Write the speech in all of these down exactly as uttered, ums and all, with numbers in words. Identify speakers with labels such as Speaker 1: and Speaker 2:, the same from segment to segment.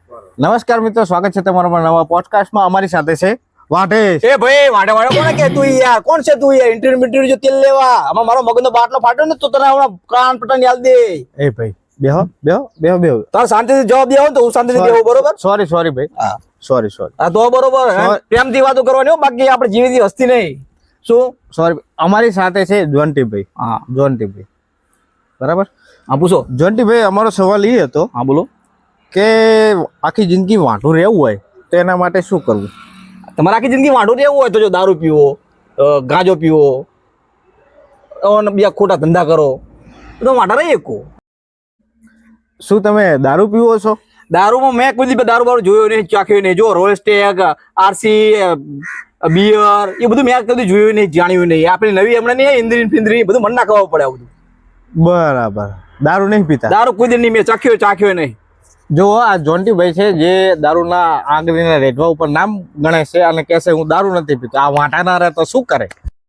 Speaker 1: નમસ્કાર મિત્રો, સ્વાગત છે તમારા નવા પોડકાસ્ટમાં. અમારી સાથે છે વાટેશ.
Speaker 2: એ ભાઈ વાટે વાટે કોને કે તું યાર કોણ છે તું યાર? ઇન્ટરવ્યુ ઇન્ટરવ્યુ જો તેલ લેવા આમાં મારો મગજનો બાટલો ફાટ્યો ને તો તને હમણાં કાન પટન યાદ દે.
Speaker 1: એ ભાઈ બેહો બેહો બેહો બેહો
Speaker 2: તાર શાંતિથી જવાબ દેવો ને તો હું શાંતિથી દેવો, બરોબર?
Speaker 1: સોરી સોરી ભાઈ,
Speaker 2: હા
Speaker 1: સોરી સોરી
Speaker 2: હા તો બરોબર. પ્રેમથી વાતો કરવાની હો, બાકી આપણે જીવીથી હસ્તી નહીં. શું?
Speaker 1: સોરી. અમારી સાથે છે જોન્ટીભાઈ.
Speaker 2: હા
Speaker 1: જોન્ટીભાઈ, બરાબર?
Speaker 2: હા પૂછો.
Speaker 1: જોન્ટીભાઈ, અમારો સવાલ એ હતો
Speaker 2: હા બોલો.
Speaker 1: કે આખી જિંદગી વાંઢું રહેવું હોય તો એના માટે શું કરવું?
Speaker 2: તમારે આખી જિંદગી વાંઢું રહેવું હોય તો જો દારૂ પીવો, અ, ગાંજો પીવો અને બીજા ખોટા ધંધા કરો તો વાંઢા રહી શકો.
Speaker 1: શું તમે દારૂ પીવો છો?
Speaker 2: દારૂમાં મેં કોઈ દી દારૂ બારૂ જોયો નહીં, ચાખ્યો નહીં. જો રોયલ સ્ટેગ, આરસી, બિયર એ બધું મેં કદી જોયું નહીં, જાણ્યું નહીં. આપણી નવી હમણાં નહીં ઇન્દ્રી ફિંદ્રી બધું મન ના ખબર પડે. આ બધું
Speaker 1: બરાબર. દારૂ નહીં પીતા?
Speaker 2: દારૂ કોઈ દી નહીં મેં ચાખ્યો ચાખ્યો નહીં.
Speaker 1: જો આ જોન્ટીભાઈ છે જે દારૂના આંગળીના રેઢવા ઉપર નામ ગણે છે અને કહે છે હું દારૂ નથી પીતો. આ વાંટા ના રહે તો શું કરે?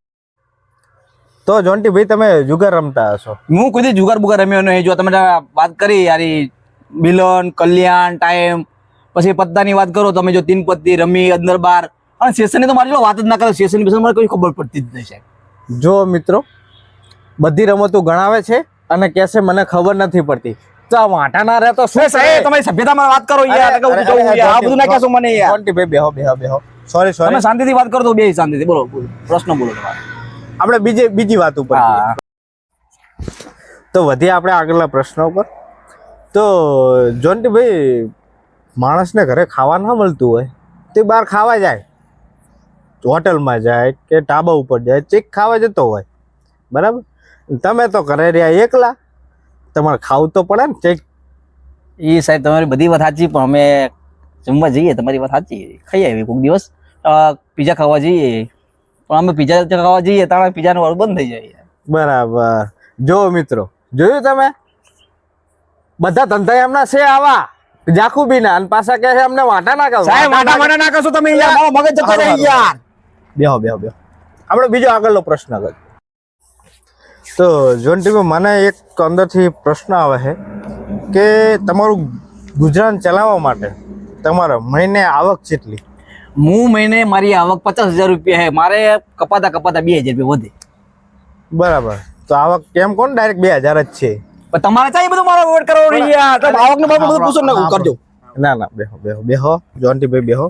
Speaker 1: તો જોન્ટીભાઈ, તમે જુગાર રમતા હશો?
Speaker 2: હું કોઈ દી જુગાર બુગાર રમ્યો નહીં. જો તમે વાત કરી યારી મિલન, કલ્યાણ, ટાઈમ, પછી પત્તાની વાત કરો તમે, જો તીન પત્તી રમી અંદર બાર, અને સેશનની તો મારી વાત જ ના કરે. સેશન વિશે મને કોઈ ખબર પડતી જ નહીં સાહેબ.
Speaker 1: જો મિત્રો, બધી રમતો ગણાવે છે અને કહે છે મને ખબર નથી પડતી. તો આ વાંટા ના રહે તો શું
Speaker 2: સાહેબ તમારી સભ્યતામાં વાત કરો યાર. આ બધું ના કહેશો મને યાર.
Speaker 1: જોન્ટીભાઈ બેહો બેહો બેહો. Sorry sorry.
Speaker 2: તમે શાંતિથી વાત કરો તો બે શાંતિથી બોલો. પ્રશ્ન બોલો તમારે.
Speaker 1: આપણે બીજી બીજી વાત ઉપર
Speaker 2: હા
Speaker 1: તો વધીએ આપણે આગળના પ્રશ્નો ઉપર. તો જોન્ટીભાઈ, માણસને ઘરે ખાવા ના મળતું હોય તે બહાર ખાવા જાય, હોટલમાં જાય કે ઢાબા ઉપર જાય, ચેક ખાવા જતો હોય, બરાબર? તમે તો ઘરે રહ્યા એકલા, તમારે ખાવું તો પડે ને ચેક.
Speaker 2: એ સાહેબ તમારી બધી વાત સાચી, પણ અમે જમવા જઈએ તમારી વાત સાચી, ખાઈ આવી કોઈક દિવસ પીઝા ખાવા જઈએ, પણ અમે પીઝા ખાવા જઈએ ત્યારે પીઝાનું વાળું બંધ થઈ જાય.
Speaker 1: બરાબર. જો મિત્રો, જોયું તમે, બધા ધંધા એમના છે આવા જાખુબી ના, અને પાછા કહે છે અમને વાંટા ના કરો.
Speaker 2: સાહેબ વાટા વાટા ના કરશો તમે યાર, મારો મગજ જતો રહે યાર.
Speaker 1: બેહો બેહો બેહો. આપણે બીજો આગળનો પ્રશ્ન કરીએ. તો જોન્ટીભાઈ, મને એક અંદરથી પ્રશ્ન આવે છે કે તમારું ગુજરાન ચલાવવા માટે તમારે મહિને આવક કેટલી?
Speaker 2: હું મહિને મારી આવક પચાસ હજાર રૂપિયા છે, મારે કપાતા કપાતા બે હજાર રૂપિયા વધે.
Speaker 1: બરાબર. તો આવક કેમ કોણ ડાયરેક્ટ બે હજાર જ છે?
Speaker 2: પણ તમારે ચાઈ બધું મારો વેટ કરવો નહીં યાર. તમે આવકનું બાબત બધું પૂછો ને કરજો.
Speaker 1: ના ના, બેહો બેહો બેહો. જોન્ટીભાઈ બેહો.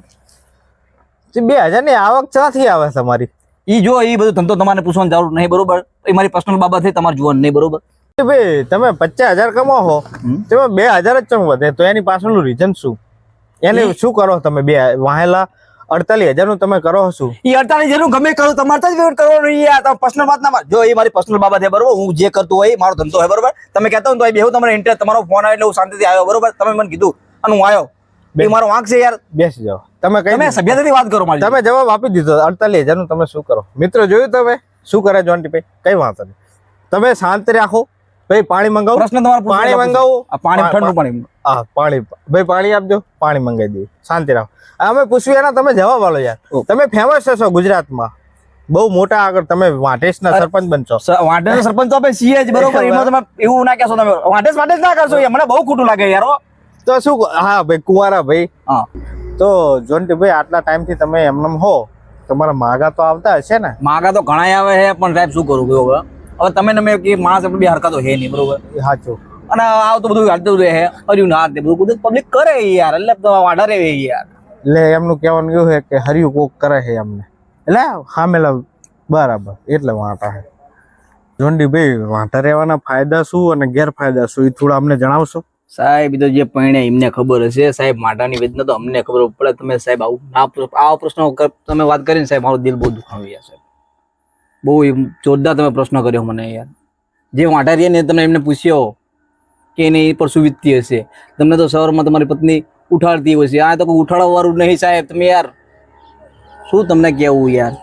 Speaker 1: બે હજાર ની આવક ક્યાંથી આવે તમારી?
Speaker 2: ઈ જો ઈ બધું ધંધો તમારે પૂછવાની જરૂર નહીં, બરોબર? એ મારી પર્સનલ બાબત છે, તમારે જોવાનું નહીં, બરોબર?
Speaker 1: ભાઈ, તમે પચાસ હજાર કમાવો તેમાં બે હજાર જ ચમ વધે, તો એની પાછળનું રીઝન શું? એને શું કરો તમે? બે વાહેલા અડતાલીસ હજાર નું તમે કરો શું?
Speaker 2: ઈ અડતાલીસ હજાર નું ગમે કરો, તમારે તો જ વેટ કરવો નહીં યાર. તમે પર્સનલ વાત ના, જો એ મારી પર્સનલ બાબત છે, બરોબર? હું જે કરતો હોય મારો ધંધો હોય, બરોબર? તમે કહેતા હો તો એ બેહું તમારે ઇન્ટરેસ્ટ, તમારો ફોન આવે એટલે હું શાંતિથી આવ્યો, બરોબર? તમે મને કીધું અને હું આવ્યો, એ મારો વાંક છે યાર.
Speaker 1: બેસી જાઓ. તમે કઈ
Speaker 2: તમે સભ્યતાથી વાત કરો મારી.
Speaker 1: તમે જવાબ આપી દીધો. અડતાલીસ હજાર નું તમે શું કરો? મિત્રો, જોયું તમે શું કરે જોન્ટીભાઈ? કઈ વાંધો નહીં, તમે શાંત રાખો. ભાઈ પાણી મંગાવો.
Speaker 2: પ્રશ્ન તમારો
Speaker 1: પાણી મંગાવો.
Speaker 2: પાણી ઠંડુ પાણી.
Speaker 1: હા પાણી, ભાઈ પાણી આપજો. પાણી મંગાવી દઈએ. શાંતિ રાખો. અમે પૂછ્યું એના તમે જવાબ આલો યાર. તમે ફેમસ છો ગુજરાતમાં, બહુ મોટા આગળ. તમે વાટેશના સરપંચ બનશો.
Speaker 2: વાટેશના સરપંચ તો આપણે છીએ જ, બરોબર? એમાં તમે એવું ના કહેશો. તમે વાટેશ વાટેશ ના કરશો યાર, મને બહુ ખોટું લાગે યાર.
Speaker 1: તો શું? હા ભાઈ, કુંવારા ભાઈ.
Speaker 2: હા
Speaker 1: તો જોન્ટીભાઈ, આટલા ટાઈમથી તમે એમનેમ હો, તમારા માગા તો આવતા હશે ને?
Speaker 2: માગા તો ઘણા આવે છે, પણ સાહેબ શું કરું હવે? હવે તમે ને મેં કે માણસ આપણે બે હરકતો છે નહીં, બરોબર?
Speaker 1: સાચું.
Speaker 2: અને આવ તો બધું હાલતું રહે, હર્યું ના તે બધું બધું પબ્લિક કરે યાર, એટલે વાડા રે યાર.
Speaker 1: એટલે એમનું કહેવાનું એવું છે કે હર્યું કોક કરે છે એમને, એટલે સામેલા. બરાબર. એટલે વાંટા છે. જોન્ટીભાઈ, વાંટા રહેવાના ફાયદા શું અને ગેરફાયદા શું એ થોડા અમને જણાવશો?
Speaker 2: સાહેબ તો જે પૈણે એમને ખબર હશે સાહેબ, માટાની વેદના તો અમને ખબર પડે. તમે સાહેબ આવું આવા પ્રશ્નો તમે વાત કરીને સાહેબ મારું દિલ બહુ દુખાવી ગયા સાહેબ. બહુ જોરદાર તમે પ્રશ્ન કર્યો મને યાર. જે વાંટા રહ્યા ને તમે એમને પૂછ્યો કે એની પર શું વીતતી હશે, તમને તો સવારમાં તમારી પત્ની ઉઠાડતી હશે, આ તો કોઈ ઉઠાડવા વાળું નહીં સાહેબ. તમે યાર શું તમને કહેવું યાર.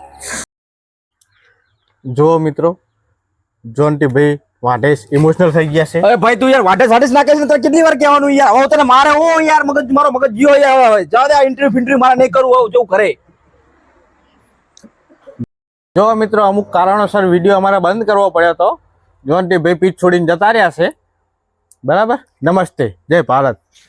Speaker 1: જો મિત્રો, જોન્ટીભાઈ વાટેશ ઇમોશનલ થઈ ગયા છે.
Speaker 2: અરે ભાઈ તું યાર વાટેશ વાટેશ ના કહીશ ને તો કેટલી વાર કહેવાનું યાર? હવે તને મારે હું યાર મગજ મારો મગજ જીઓ યાર. જાવ દે, ઇન્ટરવ્યુ ફિન્ટરવ્યુ મારે નહીં કરવું, હવે જેવું કરે.
Speaker 1: જો મિત્રો, અમુક કારણોસર વિડીયો અમારે બંધ કરવો પડ્યો હતો. જોન્ટીભાઈ પીઠ છોડીને જતા રહ્યા છે, બરાબર? નમસ્તે, જય ભારત.